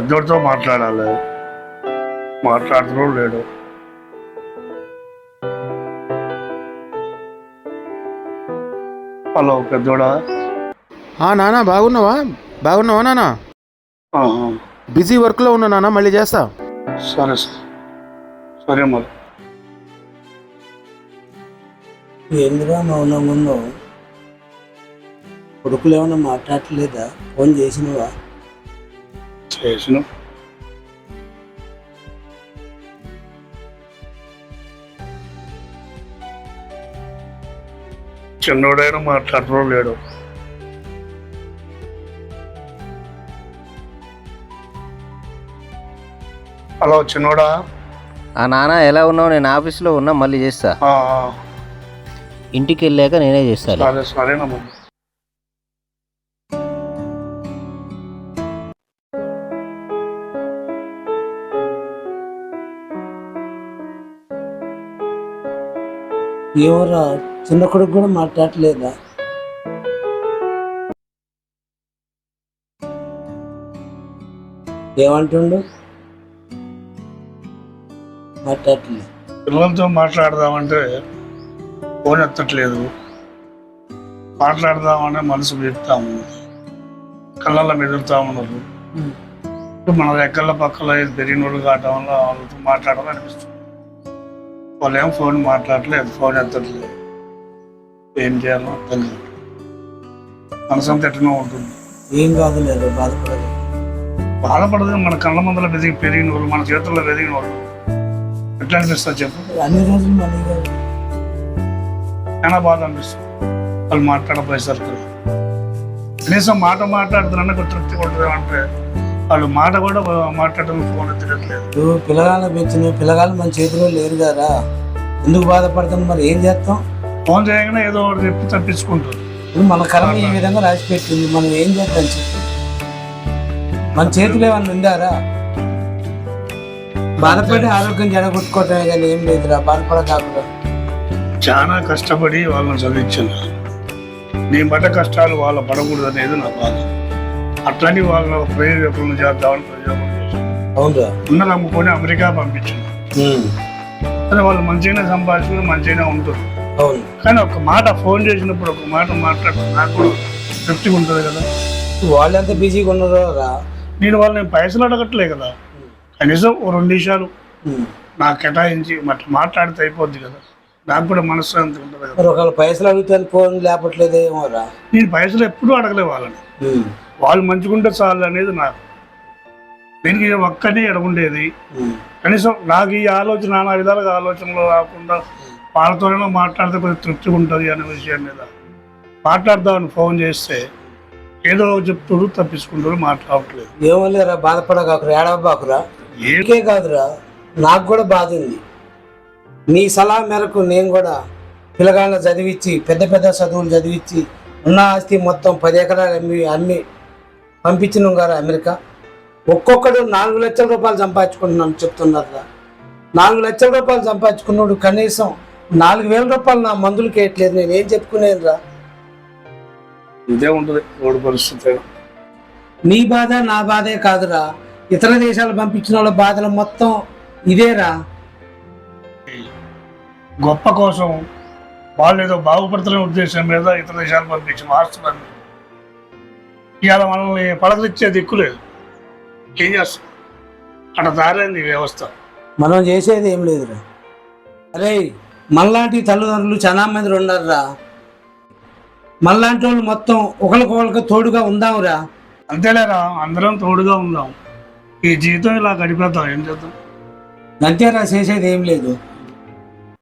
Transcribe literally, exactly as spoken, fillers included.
పెద్దోడితో మాట్లాడాలి, మాట్లాడుతున్నాడు లేడు. హలో పెద్దోడా. నానా బాగున్నావా? బాగున్నావా నానా? బిజీ వర్క్లో ఉన్నా నాన్న, మళ్ళీ చేస్తా. సరే సార్, సరే మరి. ఎందుగా మౌనం ఉన్నావు? కొడుకులు ఏమన్నా మాట్లాడలేదా? ఫోన్ చేసినవా? చేసిన. చిన్నోడైనా మాట్లాడటం లేడు. హలో చిన్నోడా. ఆ నాన్న ఎలా ఉన్నావు? నేను ఆఫీస్లో ఉన్నా, మళ్ళీ చేస్తా. ఇంటికి వెళ్ళాక నేనే చేస్తాను. సరే సరేనమ్మా. ఏమోరా, చిన్న కొడుకు కూడా మాట్లాడలేదా? ఏమంటుండు? మాట్లాడలేదు. పిల్లలతో మాట్లాడదామంటే ఫోన్ ఎత్తట్లేదు. మాట్లాడదామనే మనసు పెడతా ఉన్నది, కళ్ళల్లో మెదులుతా ఉన్నారు. మన దగ్గర పక్కల పెరిగిన వాళ్ళు కావటం వల్ల వాళ్ళతో మాట్లాడాలని అనిపిస్తుంది. వాళ్ళు ఏం ఫోన్ మాట్లాడలేదు, ఫోన్ ఎత్తట్లేదు. ఏం చేయాలో అర్థం కాదు. మనసు అంత ఎట్టనో ఉంటుంది. ఏం కాదు లేదు, బాధపడదు. బాధపడదు. మన కళ్ళ ముందర వెదిగి పెరిగిన వాళ్ళు, మన చేతుల్లో వెదిగిన వాళ్ళు ఎట్లా అనిపిస్తుంది చెప్పు? అన్ని రోజులు మనీ కాదు, చాలా బాధ అనిపిస్తుంది వాళ్ళు మాట్లాడపోయేసరికి. కనీసం మాట మాట్లాడుతున్నా తృప్తి కొట్టదు అంటే వాళ్ళు మాట కూడా మాట్లాడడం, ఫోన్ తిరగట్లేదు. నువ్వు పిల్లగాళ్ళ పెంచిన పిల్లగాళ్ళు మన చేతిలో లేరు కదా, ఎందుకు బాధపడతాం? మరి ఏం చేస్తాం? ఫోన్ చేయగానే ఏదో ఒకటి చెప్పి తప్పించుకుంటారు. ఇప్పుడు మన కర్మ ఈ విధంగా రాసి పెట్టింది, మనం ఏం చేద్దాం చెప్పి? మన చేతిలో ఏమన్నా ఉందారా? బాధపడి ఆరోగ్యం జడగొట్టుకోవటమే కానీ ఏం లేదురా, బాధపడకాకుండా. చాలా కష్టపడి వాళ్ళని చదివించాను. నేను పడ్డ కష్టాలు వాళ్ళ పడకూడదు అనేది నా బాధ. అట్లని వాళ్ళ ప్రయోజకులను చేద్దామని ప్రయోజనం చేశాను. అవునా? ఉన్నది అమ్ముకొని అమెరికా పంపించాను. కానీ వాళ్ళు మంచిగానే సంపాదించుకుని మంచిగానే ఉంటుంది. అవును. కానీ ఒక మాట ఫోన్ చేసినప్పుడు ఒక మాట మాట్లాడుతూ నాకు కూడా తృప్తిగా ఉంటుంది కదా. వాళ్ళు ఎంత బిజీగా ఉన్నారో రా. నేను వాళ్ళు నేను పైసలు అడగట్లే కదా, కనీసం ఓ రెండు నిమిషాలు నాకు కేటాయించి మట్లా మాట్లాడితే అయిపోద్ది కదా. నాకు కూడా మనశ్శాంతి ఉంటుంది కదా. ఒకవేళ పైసలు అడుగుతాను ఫోన్ లేపట్లేదు ఏమోరా. నేను పైసలు ఎప్పుడూ అడగలే వాళ్ళని. వాళ్ళు మంచిగుంటే చాలు అనేది నాకు. దీనికి ఒక్కనే ఎడగుండేది. కనీసం నాకు ఈ ఆలోచన నానా విధాలుగా ఆలోచనలో రాకుండా వాళ్ళతోనే మాట్లాడితే కొంచెం తృప్తిగా ఉంటుంది అనే విషయం మీద మాట్లాడదామని ఫోన్ చేస్తే ఏదో చెప్తుడు తప్పించుకుంటారు, మాట్లాడట్లేదు. ఏమో లేరా, బాధపడకాకురా, ఏడవబాకురా. ఏకే కాదురా, నాకు కూడా బాధ ఉంది. నీ సలహా మేరకు నేను కూడా పిల్లగాళ్ళ చదివించి పెద్ద పెద్ద చదువులు చదివించి ఉన్న ఆస్తి మొత్తం పది ఎకరాలు అమ్మి అమ్మి పంపించినాం కదా అమెరికా. ఒక్కొక్కడు నాలుగు లక్షల రూపాయలు సంపాదించుకుంటున్నాను చెప్తున్నారా. నాలుగు లక్షల రూపాయలు సంపాదించుకున్నాడు, కనీసం నాలుగు వేల రూపాయలు నా మందులకి వేయట్లేదు. నేను ఏం చెప్పుకునేది రా? ఇదే ఉంటుంది రోడ్డు పరిస్థితి. నీ బాధ నా బాధే కాదురా, ఇతర దేశాలు పంపించిన వాళ్ళ బాధలు మొత్తం ఇదేరా. గొప్ప కోసం వాళ్ళు ఏదో బాగుపడుతున్న ఉద్దేశం మీద ఇతర దేశాలు పంపించి మార్చుతారు. ఇవాళ మనల్ని పలకరించే దిక్కు లేదు. ఏం చేస్తాం? అక్కడ దారైంది వ్యవస్థ. మనం చేసేది ఏం లేదురా. అరే, మనలాంటి తల్లిదండ్రులు చాలా మంది ఉన్నారురా. మనలాంటి వాళ్ళు మొత్తం ఒకరికొకరికి తోడుగా ఉందాంరా. అంతేలేరా, అందరం తోడుగా ఉందాం. ఈ జీవితం ఇలా గడిపేద్దాం. ఏం చేద్దాం? అంతేరా, చేసేది ఏం లేదు.